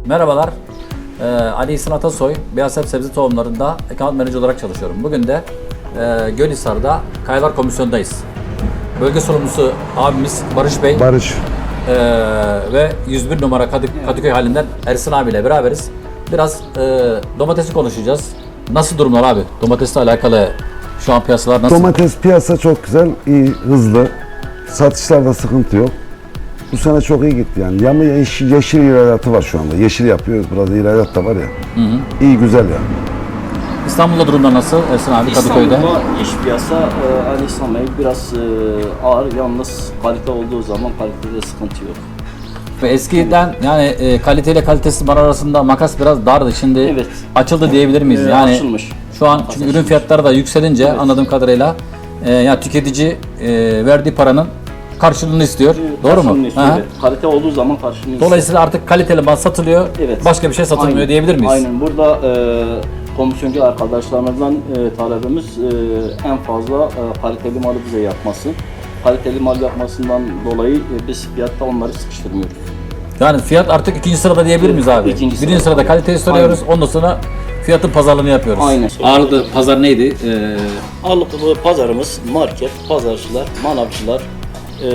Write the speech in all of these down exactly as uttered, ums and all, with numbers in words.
Merhabalar, ee, Ali İhsan Atasoy, Beyaztepe Sebze Tohumları'nda Account Manager olarak çalışıyorum. Bugün de e, Gölhisar'da Kayalar Komisyonu'ndayız. Bölge sorumlusu abimiz Barış Bey Barış. e, ve yüz bir numara Kadık, Kadıköy halinden Ersin abiyle beraberiz. Biraz e, domatesi konuşacağız. Nasıl durumlar abi? Domatesle alakalı şu an piyasalar nasıl? Domates piyasa çok güzel, iyi, hızlı. Satışlarda sıkıntı yok. Bu sene çok iyi gitti yani. Yama yeşil, yeşil ihralatı var şu anda. Yeşil yapıyoruz. Biraz ihralat da var ya. Hı hı. İyi, güzel yani. İstanbul'da durumlar nasıl Ersin abi Kadıköy'de? İstanbul'da iş piyasa e, Ali İhsan Bey biraz e, ağır, yalnız kalite olduğu zaman kalitede sıkıntı yok. Ve eskiden yani e, kaliteyle kalitesiz mal arasında makas biraz dardı. Şimdi Evet. açıldı diyebilir miyiz? Ee, yani açılmış. şu an çünkü Açılmış. ürün fiyatları da yükselince Evet. anladığım kadarıyla e, yani tüketici e, verdiği paranın karşılığını istiyor. Doğru mu? Karşılığını istiyor, Aha. evet. Kalite olduğu zaman karşılığını istiyor. Dolayısıyla artık kaliteli mal satılıyor. Evet. Başka bir şey satılmıyor Aynen. diyebilir miyiz? Aynen. Burada e, komisyoncu arkadaşlarımızdan e, talebimiz e, en fazla e, kaliteli malı bize yapması. Kaliteli mal yapmasından dolayı e, biz fiyatta onları sıkıştırmıyoruz. Yani fiyat artık ikinci sırada diyebilir miyiz abi? İkinci Birinci sırada. sırada kaliteyi soruyoruz. Ondan sonra fiyatın pazarlığını yapıyoruz. Aynen. Ağırlıklı pazar neydi? Ee, Ağırlıklı pazarımız market, pazarcılar, manavcılar, e,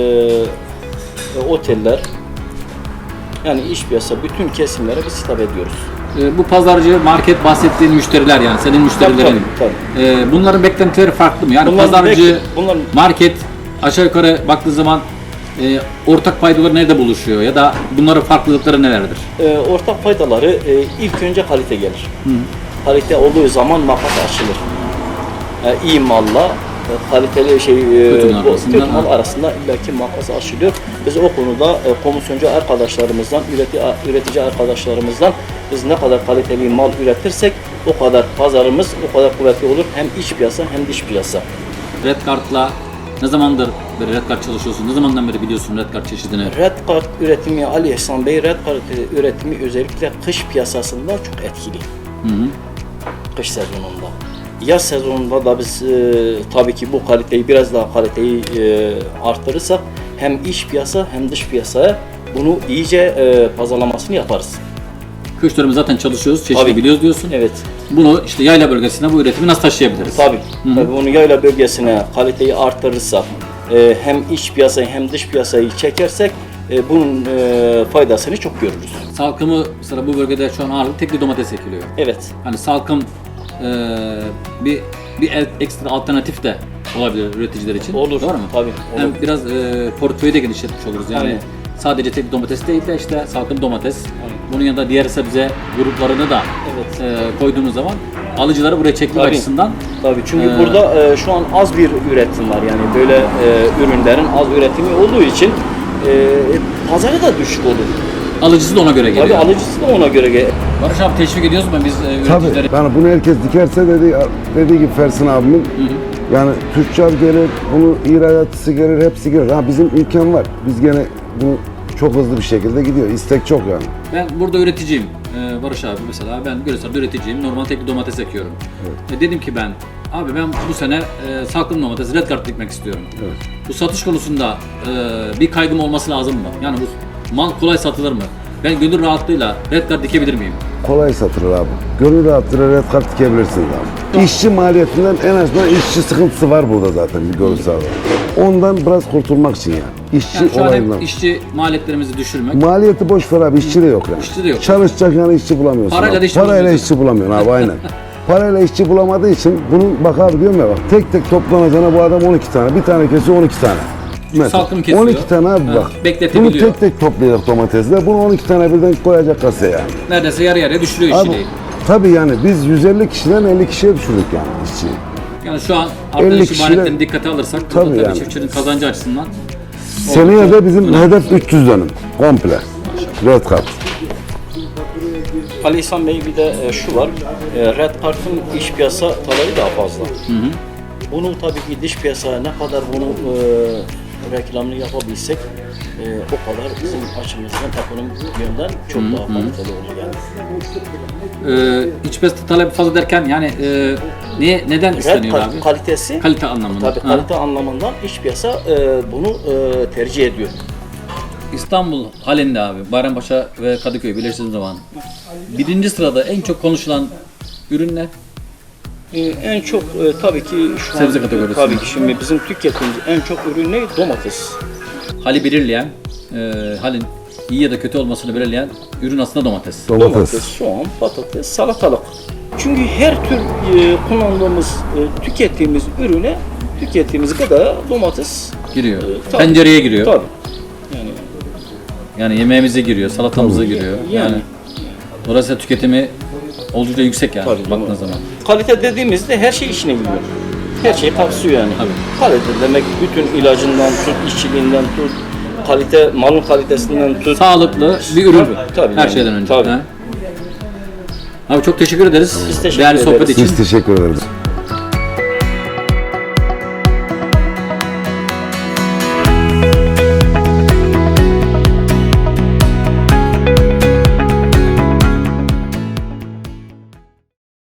e, oteller, yani iş piyasa bütün kesimlere biz hitap ediyoruz. e, bu pazarcı, market bahsettiğin müşteriler yani senin müşterilerin. Tabii, tabii. E, bunların beklentileri farklı mı? Yani Bunların pazarcı, bek- bunların- market aşağı yukarı baktığı zaman e, ortak paydaları nerede buluşuyor ya da bunların farklılıkları nelerdir? E, ortak faydaları e, ilk önce kalite gelir. Kalite olduğu zaman makas açılır. E, iyi malla e, kaliteli şey e, Kötü mal bu- arasında, kötü mal ha. arasında illaki makas açılıyor. Biz o konuda e, komisyoncu arkadaşlarımızdan, üretici, üretici arkadaşlarımızdan biz ne kadar kaliteli mal üretirsek o kadar pazarımız o kadar kuvvetli olur. Hem iç piyasa hem dış piyasa. Red Card'la ne zamandır böyle Red Card çalışıyorsun? Ne zamandan beri biliyorsun Red Card çeşidini? Red Card üretimi Ali İhsan Bey, Red Card üretimi özellikle kış piyasasında çok etkili. Hı hı. Kış sezonunda. Yaz sezonunda da biz e, tabii ki bu kaliteyi biraz daha kaliteyi e, arttırırsak hem iç piyasa hem dış piyasaya bunu iyice e, pazarlamasını yaparız. Kış dönemi zaten çalışıyoruz, çeşidi Tabii. biliyoruz diyorsun. Evet. Bunu işte yayla bölgesine bu üretimi nasıl taşıyabiliriz? Tabii. Tabii bunu yayla bölgesine kaliteyi arttırırsak e, hem iç piyasayı hem dış piyasayı çekersek e, bunun e, faydasını çok görürüz. Salkımı mesela bu bölgede şu an ağırlık tekli domates ekiliyor. Evet. Hani salkım e, bir bir el- ekstra alternatif de olabilir üreticiler için. Olur. Doğru mu? Tabii. Hem Olur. biraz e, portföyü de genişletmiş oluruz yani. Aynen. Sadece tek domates değil de işte salkım domates. Aynen. Bunun yanında diğer sebze gruplarını da Evet. e, koyduğumuz zaman alıcıları buraya çekme Tabii. açısından Tabii çünkü Ee, burada e, şu an az bir üretim var yani böyle e, ürünlerin az üretimi olduğu için e, pazarı da düşük olur. alıcısı da ona göre geliyor. Tabii alıcısı da ona göre ge- Barış abi teşvik ediyoruz mu biz e, Tabii. üreticileri? Yani bunu herkes dikerse dedi, dediği gibi Fersin abimin. Yani tüccar gelir, bunu ihralatçısı gelir, hepsi gelir. Ha bizim imkan var. Biz gene bu çok hızlı bir şekilde gidiyor. İstek çok yani. Ben burada üreticiyim. Ee, Barış abi mesela ben Gölhisar'da üreticiyim. Normal tekli domates ekiyorum. E, dedim ki ben abi ben bu sene e, salkım domates Red Card dikmek istiyorum. Evet. Bu satış konusunda e, bir kaygım olması lazım mı? Yani bu mal kolay satılır mı? Ben gönül rahatlığıyla Red Card dikebilir miyim? Kolay satılır abi. Gönül rahatlığıyla red kart dikebilirsiniz abi. İşçi maliyetinden en azından işçi sıkıntısı var burada zaten bir Gölhisar'da. Ondan biraz kurtulmak için yani. İşçi Yani şu an olayından. hem işçi maliyetlerimizi düşürmek. Maliyeti boş ver abi, işçi de yok yani. İşçi de yok. Çalışacak yani işçi bulamıyorsun. Parayla abi. da işçi Parayla bulamıyorsun. işçi bulamıyorsun abi aynen. Parayla işçi bulamadığı için bunun bak abi diyorum ya bak tek tek toplanacağına bu adam on iki tane. Bir tane kesiyor on iki tane. Mesela Salkım kesiyor. on iki tane abi Ha, bak. Bunu bekletebiliyor. tek tek toplayacak domatesler. Bunu on iki tane birden koyacak kasaya yani. Neredeyse yarı yarıya düşürüyor Abi işçiliği. tabii yani biz yüz elli kişiden elli kişiye düşürdük yani işçiyi. Yani şu an artan elli işi kişiyle- maliyetlerini dikkate alırsak Tabii tabii, tabii yani. çiftçinin kazancı açısından Seneye de bizim önemli. hedef üç yüz dönüm komple. Red Card. Ali İhsan Bey bir de e, şu var. E, Red Card'ın iç piyasa talebi daha fazla. Bunu tabii ki dış piyasaya ne kadar bunu e, reklamını yapabilsek e, o kadar bizim açımızdan ekonomik yönden çok daha kaliteli olur yani. Ee, iç piyasa talebi fazla derken yani e, niye neden Red isteniyor Card abi? kalitesi Kalite anlamında. tabii Ha. kalite anlamından iç piyasa e, bunu e, tercih ediyor. İstanbul halinde abi, Bayrampaşa ve Kadıköy birleştiğimiz zaman birinci sırada en çok konuşulan ürün ne? Ee, en çok e, tabii ki şu Sebze an, kategorisinde. tabii ki şimdi bizim tükettiğimiz en çok ürün ne? Domates. Hali belirleyen, e, halin iyi ya da kötü olmasını belirleyen ürün aslında domates. Domates. Domates, soğan, patates, salatalık. Çünkü her tür e, kullandığımız, e, tükettiğimiz ürüne, tükettiğimiz gıdaya domates Giriyor. e, tabii. Tencereye giriyor. Tabii. Yani, Yani yemeğimize giriyor, salatamıza giriyor. Yani, yani. dolayısıyla tüketimi oldukça yüksek yani Tabii, baktığınız doğru. zaman. Kalite dediğimizde her şey içine giriyor. Her şeyi kapsıyor yani. Tabii. Kalite demek bütün ilacından tut, işçiliğinden tut, kalite, malın kalitesinden tut. Sağlıklı bir ürün. Tabii, tabii Her yani. şeyden önce. Tabii. Ha? Abi çok teşekkür ederiz. Biz teşekkür Değerli sohbet ederiz. için. Biz teşekkür ederiz.